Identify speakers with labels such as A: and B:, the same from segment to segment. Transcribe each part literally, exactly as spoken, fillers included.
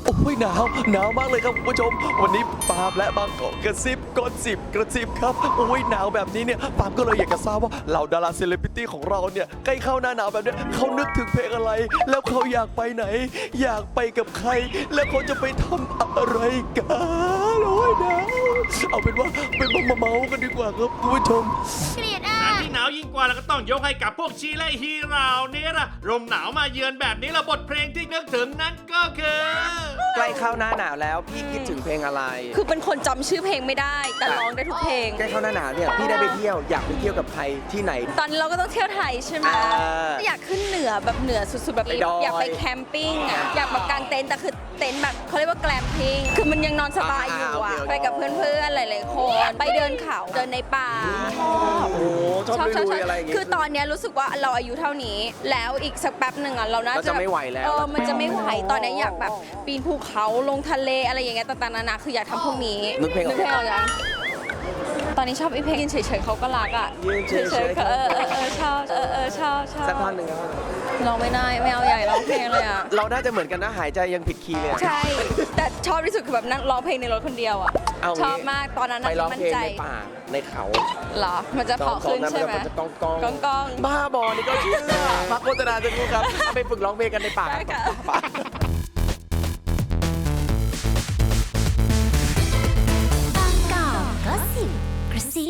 A: โอ้ยหนาวหนาวมากเลยครับคุณผู้ชมวันนี้ปาล์มและบางกอกกระซิบกดสิบกระซิบครับโอ้ยหนาวแบบนี้เนี่ยปาล์มก็เลยอยากจะทราบว่าเหล่าดาราเซเลบริตี้ของเราเนี่ยใกล้เข้าหน้าหนาวแบบเนี้ยเขานึกถึงเพลงอะไร แล้วเขาอยากไปไหน อยากไปกับใคร แล้วเขาจะไปทำอะไรกันโอ้ยหนาวเอาเป็นว่าไปมาเมาๆกันดีกว่าครับคุณผู้ชม
B: เกลียดอ่ะ
C: แต่ที่หนาวยิ่งกว่าเราก็ต้องยกให้กับพวกชีและฮีเหล่านี้ล่ะลมหนาวมาเยือนแบบนี้ละบทเพลงที่นึกถึงนั้นก็คือ
A: ใกล้เข้าหน้าหนาวแล้วพี่คิดถึงเพลงอะไร
D: คือเป็นคนจำชื่อเพลงไม่ได้ แต่ร้องได้ทุกเพลง
A: ใกล้เข้าหน้าหนาวเนี่ยพี่ได้ไปเที่ยวอยากไปเที่ยวกับใครที่ไหน
D: ตอนนี้เราก็ต้องเที่ยวไทยใช่ไหม
A: อ่า
D: อยากขึ้นเหนือแบบเหนือสุดๆแบบ
A: ไปดอย
D: อยากไปแคมปิ้งอ่ะอยากแบบกางเต็นท์แต่คือเต็นท์แบบเขาเรียกว่าแกลมปิ้งคือมันยังนอนสบายอยู่อ่ะไปกับเพื่อนๆหลายๆคนไปเดินเขาเดินในป่า
A: โอ้ชอบลุยๆอะไรอย่างเงี้ย
D: คือตอนเนี้ยรู้สึกว่าเราอายุเท่านี้ แล้วอีกสักแป๊บหนึ่งอ่ะเราน่า
A: เราจะไม่ไหวแล้ว
D: เออมันจะไม่ไหวตอนเนี้ยอยากแบบปีนภูเขาลงทะเลอะไรอย่างเงี้ยต่างๆนานาคืออยากทำพวกนี้
A: นึกเพลงออก
D: นึกเพลงออกยังตอนนี้ชอบไอ้เพลงยืนเฉยๆเขาก็รักอ่ะ
A: ยืนเฉยๆ
D: ๆเออเออเออชอบเออเออชอบชอบ
A: สักท่อนหนึ่งครับ
D: ร้องไม่ได้ไม่เอาใหญ่ร้องเพลงเลยอ่ะ
A: เราน่าจะเหมือนกันนะหายใจยังผิดคีย์เลยอะ
D: ใช่ แต่ชอบที่สุดคือแบบนั่งร้องเพลงในรถคนเดียวอ่ะ
A: เอางี้
D: ชอบมากตอนนั้น
A: ไป
D: น่ะ
A: ร้อง
D: มั่น
A: เพลง
D: ใจ
A: ในป่าในเขา
D: เหรอมันจะเพาะขึ้นใช่ไหม
A: มันจะก้องก้อง
D: ก้องก้อง
A: บ้าบอนี่ก็เชื่อพักโฆษณาจะรู้ครับเอาไปฝึกร้องเพลงกันในป่า
D: ได้ค่ะ
A: ป่า
B: บางกอกก็สิบกระซิ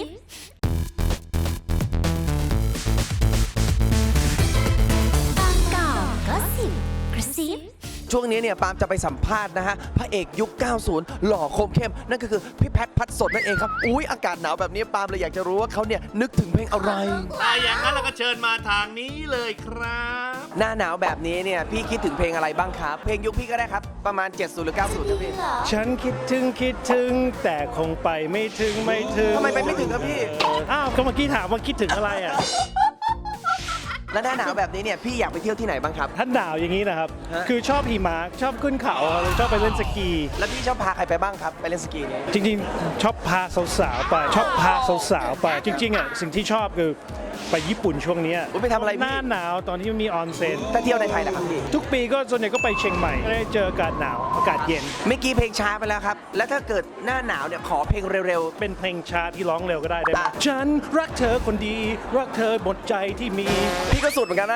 B: บางกอกก็สิบกระซิบ
A: ช่วงนี้เนี่ยปาล์มจะไปสัมภาษณ์นะฮะพระเอกยุค เก้าสิบ หล่อคมเข้มนั่นก็คือพี่แพทพัดสดนั่นเองครับอุ้ยอากาศหนาวแบบนี้ปาล์มเลยอยากจะรู้ว่าเขาเนี่ยนึกถึงเพลงอะไร
C: ถ้าอย่างนั้นเราก็เชิญมาทางนี้เลยครับ
A: หน้าหนาวแบบนี้เนี่ยพี่คิดถึงเพลงอะไรบ้างครับ เพลงยุคพี่ก็ได้ครับประมาณ เจ็ดสิบ หรือ เก้าสิบครับพี่
E: ฉันคิดถึงคิดถึงแต่คงไปไม่ถึงไม่ถึง
A: ทำไมไปไม่ถึงครับพี่
E: อ้าวก็เมื่อกี้ถามว่าคิดถึงอะไรอ่ะ
A: แล้วหน้าหนาวแบบนี้เนี่ยพี่อยากไปเที่ยวที่ไหนบ้างครับ
E: ท่านหนาวอย่างนี้นะครับ
A: ฮะ
E: คือชอบหิมะชอบขึ้นเขาชอบไปเล่นสกี
A: แล้วพี่ชอบพาใครไปบ้างครับไปเล่นสกีเนี่ย
E: จริงๆ ชอบพาสาวๆไปชอบพาสาวๆไป จริงๆอ่ะสิ่งที่ชอบคือไปญี่ปุ่นช่วงเนี้ย
A: อุ๊ยไปทำอะไรพี่
E: หน้าหนาวตอนที่มันมีออนเซ็น
A: ถ้าเที่ยวในไทยล่ะครับพี่
E: ทุกปีก็ส่วนใหญ่ก็ไปเชียงใหม่ได้เจออากาศหนาวอากาศเย็น
A: เมื่อกี้เพลงช้าไปแล้วครับ แล้วถ้าเกิดหน้าหนาวเนี่ยขอเพลงเร็ว
E: เป็นเพลงช้าที่ร้องเร็วก็ได้ได้ไหม
A: ได้
E: ฉันรักเธอคนดี รักเธอหมดใจที่มี
A: ๆ พี่ก็สุดเหมือนกันนะ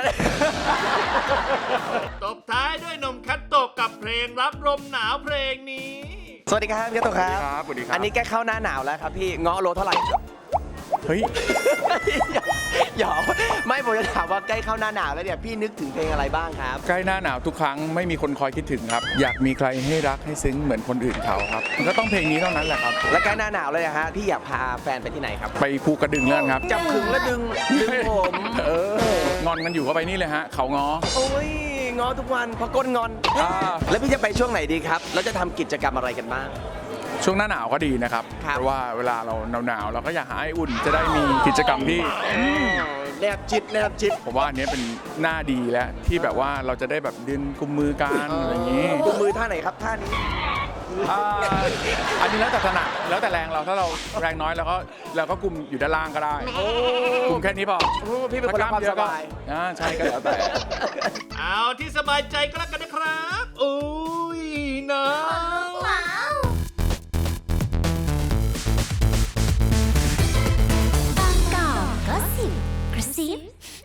C: ตบท้ายด้วยหนมคัตโตะกับเพลงรับลมหนาวเพลงนี้
A: สวัสดีครับพี่โตครับ
F: สวัสดีครับ
A: อันนี้ใกล้เข้าหน้าหนาวแล้วครับพี่เงาะโลเท่าไหร่ครับ
F: เฮ้ย
A: หยอกไม่ผมจะถามว่าใกล้เข้าหน้าหนาวแล้วเนี่ยพี่นึกถึงเพลงอะไรบ้างครับ
F: ใกล้หน้าหนาวทุกครั้งไม่มีคนคอยคิดถึงครับ อยากมีใครให้รักให้ซึ้งเหมือนคนอื่นเขาครับ มันก็ต้องเพลงนี้เท่านั้นแหละครับ
A: และใกล้หน้าหนาวเลยนะฮะพี่อยากพาแฟนไปที่ไหนครับ
F: ไปภูกระดึงเลื่อนครับ
A: จับขึงแล้วดึงดึงผม
F: เอองอนกันอยู่ก็ไปนี่เลยฮะ เขาง้อ
A: โอ้ยงอทุกวันพอก้นงอน
F: อ่า
A: แล้วพี่จะไปช่วงไหนดีครับแล้วจะทำกิจกรรมอะไรกันบ้าง
F: ช่วงหน้าหนาวก็ดีนะครับ
A: ครับ
F: เพราะว่าเวลาเราหนาวๆเราก็อยากหาไออุ่น จะได้มีกิจกรรมที่
A: แนบจิตแนบจิต
F: ผมว่าอันนี้เป็นหน้าดีแล้วที่แบบว่าเราจะได้แบบดึงกุมมือกันอะไรอย่างนี้
A: กุมมือท่าไหนครับท่านี้
F: อ่าอันนี้แล้วแต่ถนัดแล้วแต่แรงเราถ้าเราแรงน้อยเราก็เราก็กุมอยู่ด้านล่างก็ได้กุมแค่นี้พอ
A: โอ้พี่เป็นคนรักความสบาย
F: อ่าใช่ก็แล้วแต่
C: เอาที่สบายใจก็แล้วกันนะครับอุ้ยหนาว
B: ว้าว บางกอกก็สิบกระซิบ